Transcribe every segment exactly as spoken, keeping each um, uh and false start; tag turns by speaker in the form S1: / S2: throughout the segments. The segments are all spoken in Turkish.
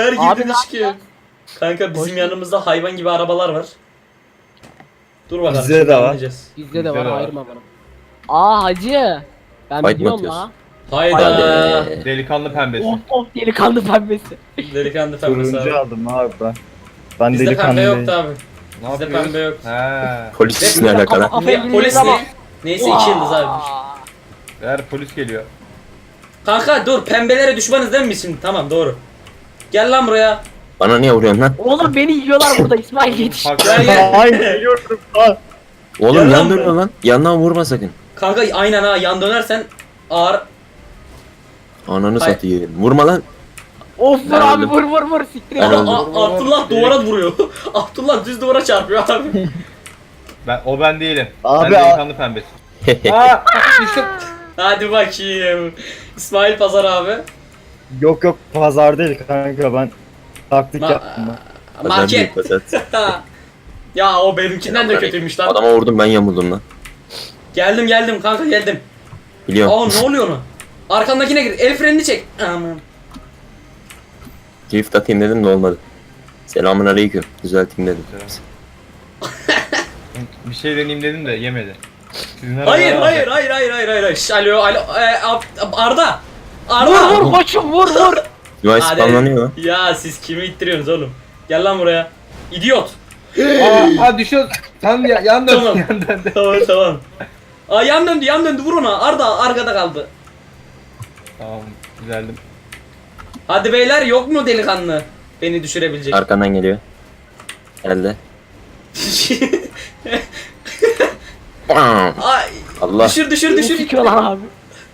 S1: Her
S2: Abi
S1: girdiğinde
S2: ne
S1: çıkıyor. Kanka bizim
S2: Hoş-
S1: yanımızda hayvan gibi arabalar var. Dur bakalım.
S3: Bizde
S1: şimdi
S3: de var.
S1: anlayacağız.
S2: Bizde de
S4: Bizde
S2: var
S4: de var.
S2: ayırma bana. Aa hacı. Ben
S5: Fight mı
S2: biliyorum
S5: atıyorsun?
S2: la.
S1: Hayda.
S5: Hadi.
S4: Delikanlı pembesi.
S2: Of of delikanlı pembesi.
S1: Delikanlı pembesi
S3: Turuncu
S1: abi.
S3: aldım abi ben. Ben
S1: Bizde
S3: delikanlı
S1: pembe
S3: değilim.
S1: yoktu abi.
S4: Ne
S1: Bizde
S4: yapıyoruz?
S1: pembe yok.
S4: He.
S5: Polis ne alakalı?
S2: Ama-
S1: Ne, polis
S2: ama-
S1: ne? Neyse iki yıldız abi.
S4: Eğer polis geliyor.
S1: Kanka dur, pembelere düşmanız değil mi biz şimdi? Tamam, doğru. Gel lan buraya.
S5: Bana niye vuruyorsun lan?
S2: Oğlum beni yiyorlar burada İsmail yetiş.
S4: Hak-
S1: Gel gel.
S3: Ay geliyorum. Aa,
S5: Oğlum
S1: Gel lan
S5: yan
S1: buraya.
S5: dönüyor lan. Yandan vurma sakın.
S1: Kanka aynen ha, yan dönersen ağır.
S5: Ananı
S1: Hayır.
S5: satayım. Vurma lan.
S2: Of vur
S5: Ben
S2: abi
S5: öldüm.
S2: vur vur vur siktir et.
S5: Ben
S1: Aa,
S5: öldüm.
S1: Aa, Abdullah duvara vuruyor. Abdullah düz duvara çarpıyor abi.
S4: Ben, o ben değilim.
S3: Abi,
S4: ben delikanlı pembesi. Aa, işte.
S1: Hadi bakayım. İsmail Pazar abi.
S3: yok yok pazar değil kanka ben taktik
S1: Ma-
S3: yaptım ben.
S5: Pazar
S1: Market.
S5: büyük pazar.
S1: Ya o benimkinden de kötüymüş lan.
S5: Adama vurdum ben yamuldum lan.
S1: Geldim geldim kanka geldim.
S5: Biliyorum.
S1: Aa ne oluyor ona? Arkandakine gir. El frenini çek. Aman.
S5: Drift atayım dedim de olmadı. Selamun aleyküm. Düzelteyim dedim.
S4: Bir şey deneyeyim dedim de yemedi. Sizin
S1: Hayır
S4: arabalar-
S1: hayır hayır hayır hayır hayır. Şş, alo alo. E, Ab- Arda. Arda.
S2: Vur vur koçum vur vur.
S5: Device
S1: Hadi.
S5: spamlanıyor lan.
S1: Ya siz kimi ittiriyorsunuz oğlum? Gel lan buraya. İdiot.
S4: Aa, aa düşüyor. Tam ya, yan dön.
S1: Tamam.
S4: Yan dön.
S1: Tamam tamam. Aa yan döndü yan döndü, vur ona. Arda arkada kaldı.
S4: Tamam, güzeldim.
S1: Hadi beyler, yok mu delikanlı? Beni düşürebilecek.
S5: Arkandan geliyor. Geldi. Bam!
S1: Ay,
S5: Allah.
S1: düşür düşür
S2: Beni
S1: düşür.
S2: sikiyorlar abi.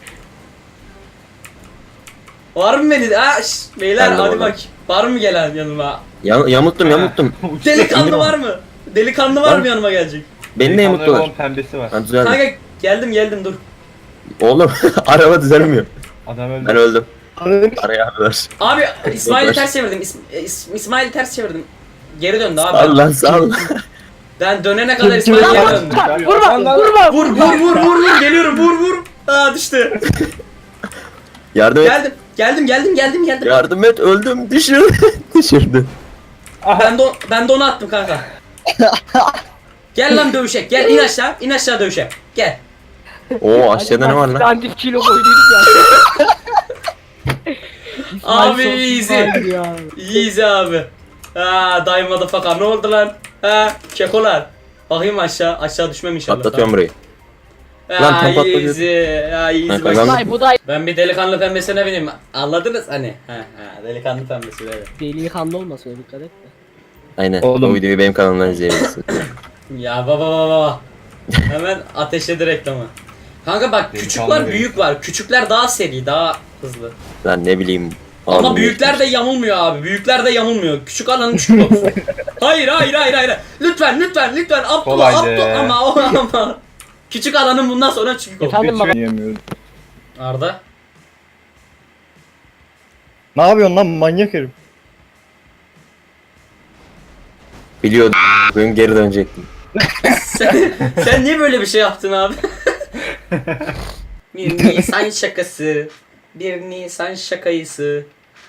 S1: Var mı beni? Ha, şş, beyler
S5: Ben de
S1: hadi
S5: varım.
S1: bak. Var mı gelen yanıma?
S5: Ya, yamuttum yamuttum.
S1: Delikanlı var mı? Delikanlı var
S5: Var.
S1: mı yanıma gelecek?
S5: Beni de
S4: Delikanlı
S5: yamuttular.
S4: olan pembesi var.
S5: Ha düzeldi.
S1: Kanka geldim geldim dur.
S5: Oğlum araba düzelmiyor.
S4: Adam öldü.
S5: Ben öldüm.
S3: Anladın?
S5: Araya aldılar.
S1: Abi İsmail'i
S5: Dur.
S1: ters çevirdim. İs, İs- İsmail'i ters çevirdim. Geri döndü abi.
S5: Sağ ol lan sağ ol.
S1: Ben dönene kadar
S3: Kim-
S1: İsmail
S3: kim-
S1: geri
S2: Vurma
S1: döndü.
S2: vurma vurma.
S1: Vur vur vur vur vur, geliyorum, vur vur. Aa düştü.
S5: Yardım et.
S1: Geldim geldim geldim geldim geldim.
S5: Yardım et öldüm. Düşürdü. Düşürdü.
S1: Ben de o- ben de onu attım kanka. Gel lan dövüşek. Gel in aşağı. İn aşağı dövüşek. Gel.
S5: Oo aşağıda ne var lan?
S2: Standif kilo koyduk ya. İsmail
S1: Abi,
S2: çok
S1: easy.
S2: güzeldi ya.
S1: Easy abi. Ha daim motherfucker, ne oldu lan? Ha kekolar. Bakayım aşağı. Aşağı düşmem inşallah.
S5: Patlatıyorum burayı.
S1: Ha,
S5: Lan, tam patladı.
S1: easy. Ha easy.
S5: Ben
S1: bak.
S5: kazandım.
S2: İsmail bu da
S1: Ben bir delikanlı pembesine bineyim. Anladınız hani? Ha ha delikanlı pembesi evet.
S2: delikanlı olmasın öyle dikkat et de.
S5: Aynen.
S3: Oğlum.
S5: O videoyu benim kanalımdan izleyebilirsin.
S1: Ya baba baba baba. Hemen ateşledi reklamı. Kanka bak, küçük
S4: Delikanlı
S1: var
S4: benim.
S1: büyük var. Küçükler daha seri, daha hızlı.
S5: Lan ne bileyim.
S1: Ama
S5: Aldım
S1: büyükler de yamulmuyor abi. Büyükler de yamulmuyor. Küçük alanın küçük olsun. Hayır hayır hayır hayır. Lütfen lütfen lütfen. Abdullah
S4: Kolaydı.
S1: Abdullah ama o ama. Küçük alanın bundan sonra küçük olsun.
S2: Efendim baba.
S3: Yiyemiyorum.
S1: Arda.
S3: Ne yapıyorsun lan manyak herif?
S5: Biliyordum. Bugün geri dönecektim.
S1: sen, sen niye böyle bir şey yaptın abi? Bir Nisan şakası. Bir Nisan şakayısı.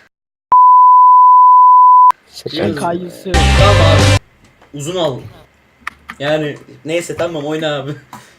S5: Şaka.
S2: Kayısı.
S1: Tamam abi. Uzun al. Yani neyse tamam, oyna abi.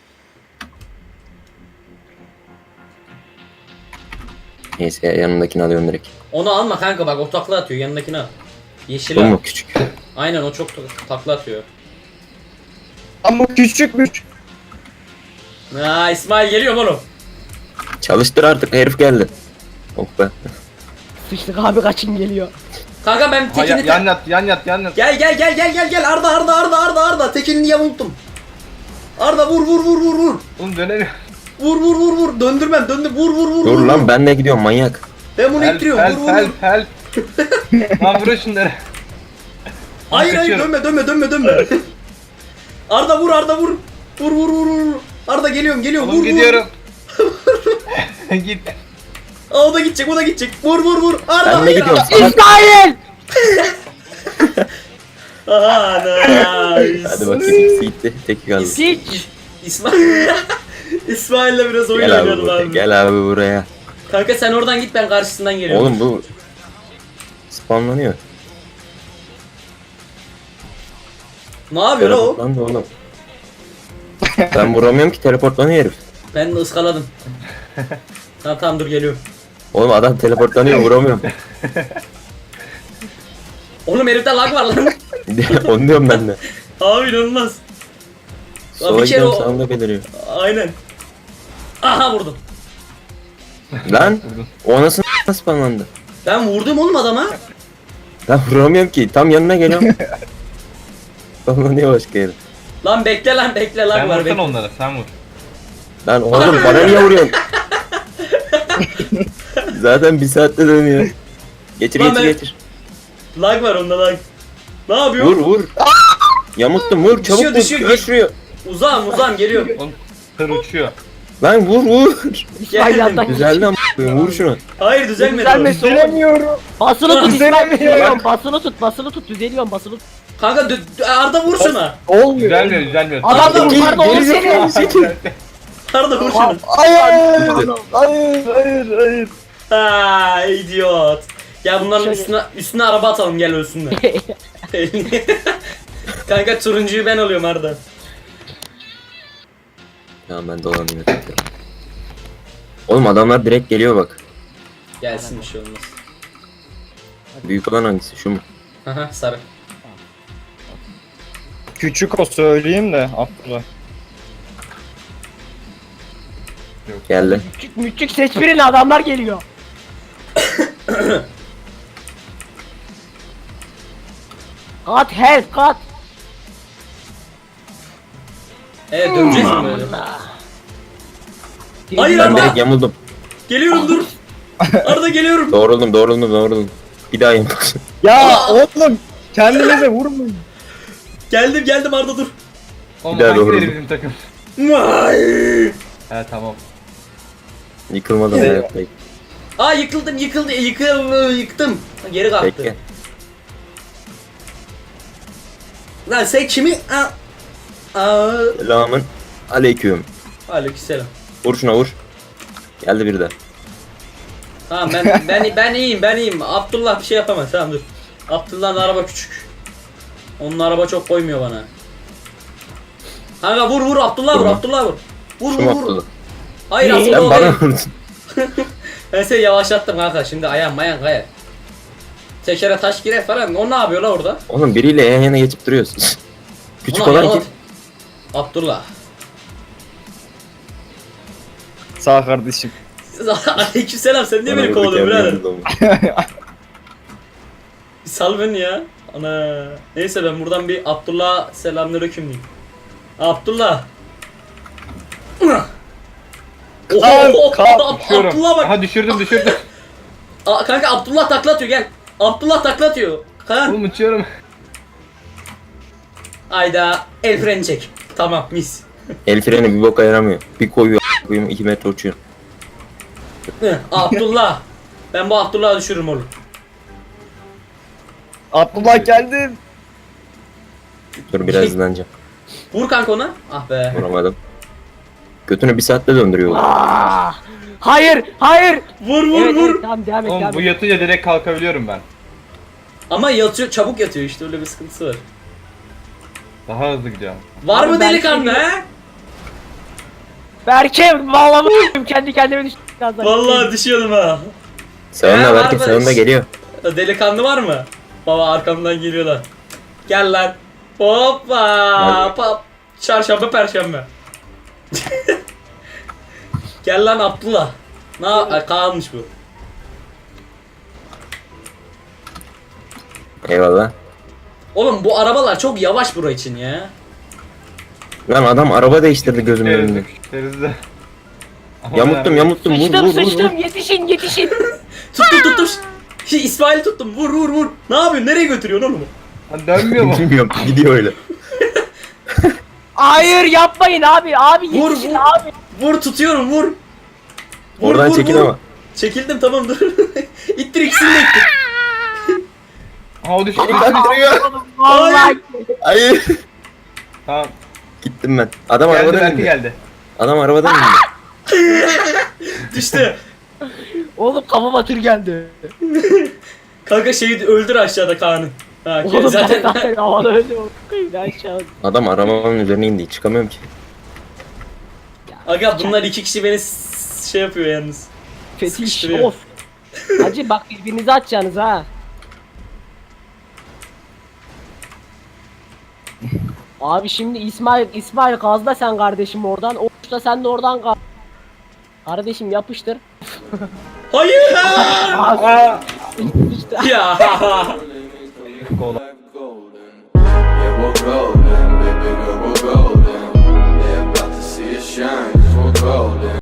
S5: Neyse yanımdakini alıyorum direkt.
S1: Onu alma kanka, bak o takla atıyor, yanındakini al. Yeşil
S5: Bu
S1: al.
S5: mu küçük?
S1: Aynen, o çok takla atıyor.
S3: Ama küçükmüş.
S1: Aa İsmail geliyor oğlum.
S5: Çalıştır artık herif geldi. Oh be.
S2: Sıçtık abi kaçın geliyor.
S1: Kanka ben
S4: Ha,
S1: tekini...
S4: ya- yan yat, yan yat, yan yat.
S1: Gel gel gel gel gel gel Arda Arda Arda Arda Arda tekinini yamulttum. Arda vur vur vur vur vur.
S4: Oğlum dönemiyor.
S1: Vur vur vur vur. Döndürmem döndür. Vur vur vur.
S5: Dur
S1: vur,
S5: lan
S1: vur.
S5: ben de gidiyorum manyak.
S1: Ben bunu
S4: Help,
S1: ittiriyorum.
S4: help,
S1: Vur vur
S4: help,
S1: vur.
S4: help. Lan vurun şunları.
S1: Hayır hayır
S4: kaçıyorum.
S1: dönme dönme dönme dönme. Arda vur Arda vur. Vur vur vur vur. Arda geliyorum geliyorum.
S4: Oğlum
S1: Vur
S4: gidiyorum. Git.
S1: vur. Aa, o da gidecek o da gidecek. Vur vur vur. Arda
S5: Ben de
S1: hayır.
S5: gidiyorum. Salak.
S2: İsmail!
S1: Aha nice.
S5: Hadi bakayım ikisi gitti. Teki kaldı.
S2: Siç!
S1: İsmail. İsmail'le biraz oyun
S5: Gel abi
S1: oynayalım
S5: buraya.
S1: abi.
S5: Gel abi buraya.
S1: Kanka sen oradan git, ben karşısından geliyorum.
S5: Oğlum bu Spamlanıyor.
S1: Ne yapıyor lan o?
S5: Teleportlandı oğlum. Ben vuramıyorum ki, teleportlanıyor herif.
S1: Ben de ıskaladım. Tamam tamam dur geliyorum.
S5: Oğlum adam teleportlanıyor, vuramıyorum.
S1: Oğlum herifte lag var lan.
S5: Onu diyorum ben de.
S1: Abi inanılmaz. Lan
S5: Sola
S1: bir kere
S5: gidiyorum,
S1: o...
S5: sağımda beliriyor.
S1: Aynen. Aha vurdum.
S5: Lan o nasıl spamlandı?
S1: Ben vurdum oğlum adama.
S5: Ben vuramıyorum ki, tam yanına geliyorum. Spamlanıyor başka yere.
S1: Lan bekle lan bekle lag
S4: Sen
S1: var
S4: vursana
S1: bekle.
S4: onlara, sen vur.
S5: Lan oğlum bana niye vuruyorsun? Zaten bir saatte dönüyor. Getir
S1: Lan
S5: getir
S1: ben-
S5: getir.
S1: Lag var onda lag. Ne yapıyor?
S5: Vur vur. Yamuttum, vur çabuk
S1: Düşüyor,
S5: vur.
S1: düşüyor.
S5: Düşüyor.
S1: Uzağım uzağım geliyor.
S4: Oğlum tır uçuyor.
S5: Lan vur vur.
S2: İsmail
S1: Geldim.
S2: yandan
S5: Güzeldi ama vur şunu.
S1: Hayır düzelmedi.
S2: Düzelmesi oğlum.
S3: Düzelemiyorum.
S2: Basılı tut İsmail,
S3: Düzelemiyor.
S2: düzeliyorum. Basılı tut, basılı tut, düzeliyorum, basılı tut.
S1: Kanka dü- dü- Arda vur şuna.
S3: Olmuyor.
S4: Düzelmiyor, düzelmiyor.
S2: Adam da
S1: Adam
S2: yukarıda
S3: geri
S2: oğlum
S3: zekalı.
S2: seni.
S1: Arda vur şunu.
S3: Hayır. Hayır. Hayır. Hayır.
S1: Ha idiot. Gel bunların
S2: Şöyle.
S1: üstüne üstüne araba atalım gel ölsünler. Kanka turuncuyu ben alıyorum Arda.
S5: Ya ben dolanıyorum. Oğlum adamlar direkt geliyor bak.
S1: Gelsin bir şey olmaz.
S5: Büyük olan hangisi? Şu mu?
S1: Aha sarı.
S3: Küçük o söyleyeyim de Abdullah.
S5: Geldi.
S2: Küçük müçük seç birini, adamlar geliyor. Kat help kat.
S1: Evet döneceğiz mi böyle? Hayır
S5: Ben
S1: Arda.
S5: direkt yamuldum.
S1: Geliyorum dur. Arda geliyorum.
S5: Doğruldum doğruldum doğruldum. Bir daha yamuldum.
S3: Ya oğlum kendinize vurmayın.
S1: Geldim geldim Arda dur.
S4: Oğlum
S5: Bir daha
S4: hangileri
S5: doğru.
S4: bizim takım?
S1: Vay.
S4: He tamam.
S5: Yıkılmadım ya yapmayı.
S1: Aa yıkıldım yıkıldı yıkıldı yıktım. Geri kalktı.
S5: Bekle.
S1: Lan sen kimi? Aa. Aa.
S5: Selamın aleyküm.
S1: Aleykümselam.
S5: Vur şuna vur. Geldi bir de.
S1: Tamam ben ben ben iyiyim ben iyiyim. Abdullah bir şey yapamaz tamam dur. Abdullah'ın araba küçük. Onun araba çok koymuyor bana. Kanka vur vur Abdullah vur
S5: Vurma.
S1: Abdullah vur. Vur
S5: Şu
S1: vur
S5: mu
S1: vur.
S5: atladı?
S1: Hayır
S2: Ee,
S1: Abdullah
S5: Sen
S1: o
S5: bana
S1: değil.
S5: vurdun.
S1: Ben seni yavaşlattım kanka şimdi ayağım mayan kayar. Tekere taş girer falan. O ne yapıyor la orada?
S5: Oğlum biriyle yan yana geçip duruyorsun. Küçük
S1: Ulan
S5: olan
S1: yalan-
S5: kim?
S1: Abdullah.
S3: Sağ kardeşim.
S1: Aleykümselam sen niye
S5: Bana
S1: beni
S5: vurdu,
S1: kovalıyorsun
S5: kendi
S1: birader?
S5: yanımda olmuş.
S1: Bir sal beni ya. Ana. Neyse ben buradan bir Abdullah selamünaleyküm diyeyim. Abdullah.
S3: Kalk,
S1: Oho,
S3: kalk,
S1: Ab-
S4: Düşüyorum.
S1: Abdullah bak.
S4: Aha düşürdüm düşürdüm.
S1: Aa, kanka Abdullah takla atıyor gel. Abdullah takla atıyor. Kan.
S4: Oğlum uçuyorum.
S1: Ayda el freni çek. Tamam mis.
S5: El freni bir boka yaramıyor. Bir koyuyor koyuyor iki metre uçuyor.
S1: Hı, Abdullah. Ben bu Abdullah'ı düşürürüm oğlum.
S3: Abdullah geldi.
S5: Dur biraz hızlanacağım.
S1: Vur kanka ona. Ah be.
S5: Vuramadım. Götünü bir saatte döndürüyor.
S2: Aa, hayır, hayır.
S1: Vur vur
S2: Evet,
S1: vur.
S2: evet, tamam devam et,
S4: Oğlum
S2: devam
S4: bu
S2: et.
S4: yatınca direkt kalkabiliyorum ben.
S1: Ama yatıyor çabuk yatıyor işte öyle bir sıkıntısı var.
S4: Daha hızlı gidiyorum.
S1: Var
S2: Oğlum
S1: mı
S2: ben
S1: delikanlı
S2: şey-
S1: he?
S2: Berke vallahi bu- kendi kendime düştüm birazdan.
S1: Vallahi düşüyordum ha.
S5: Sağında
S1: He,
S5: belki
S1: var
S5: sağında
S1: böyle-
S5: geliyor.
S1: Delikanlı var mı? Baba arkamdan geliyorlar. Gel lan. Hoppa.
S5: Nerede?
S1: Pa Çarşamba perşembe. Gel lan Abdullah. Ne kalmış bu?
S5: Eyvallah.
S1: Oğlum bu arabalar çok yavaş bura için ya.
S5: Lan adam araba değiştirdi gözümün önünde.
S4: Küçükleriz de. Ama
S5: Yamuttum
S4: ben-
S5: yamuttum vur
S2: Sıçtım
S5: vur vur.
S2: sıçtım,
S5: vur.
S2: yetişin yetişin.
S1: Tuttum tuttum. Şey, İsmail'i tuttum. Vur vur vur. Ne yapıyorsun? Nereye götürüyorsun oğlum?
S4: Lan dönmüyor mu?
S5: Bilmiyorum gidiyor öyle.
S2: Hayır yapmayın abi, abi
S1: Vur,
S2: yetişin
S1: vur.
S2: abi.
S1: Vur tutuyorum vur. Vur,
S5: Oradan
S1: vur,
S5: çekil
S1: vur.
S5: ama.
S1: Çekildim tamam dur. İttir ikisini de ittir.
S4: Ha o düştü.
S2: Vallahi.
S5: Hayır.
S4: Tamam.
S5: Gittim ben. Adam
S4: Geldi
S5: arabadan
S4: belki
S5: indi.
S4: geldi.
S5: Adam arabadan indi.
S1: Düştü.
S2: Oğlum kafama tır geldi.
S1: Kanka şeyi öldür aşağıda Kaan'ı. Ha,
S2: Oğlum ben
S1: zaten
S2: zaten havada öldüm. Koyayım aşağı.
S5: Adam arabanın üzerine indi. Çıkamıyorum ki.
S1: Aga bunlar iki kişi beni s- şey yapıyor yalnız.
S2: Fetiş
S1: Sıkıştırıyor.
S2: of. Hacı bak birbirinizi atacaksınız ha. Abi şimdi İsmail İsmail gazla sen kardeşim oradan. Oğuz da sen de oradan gaz. Kardeşim yapıştır.
S1: Hayır!
S4: Aa.
S2: İşte.
S1: ya.
S4: Kola.
S6: Yeah, we'll go.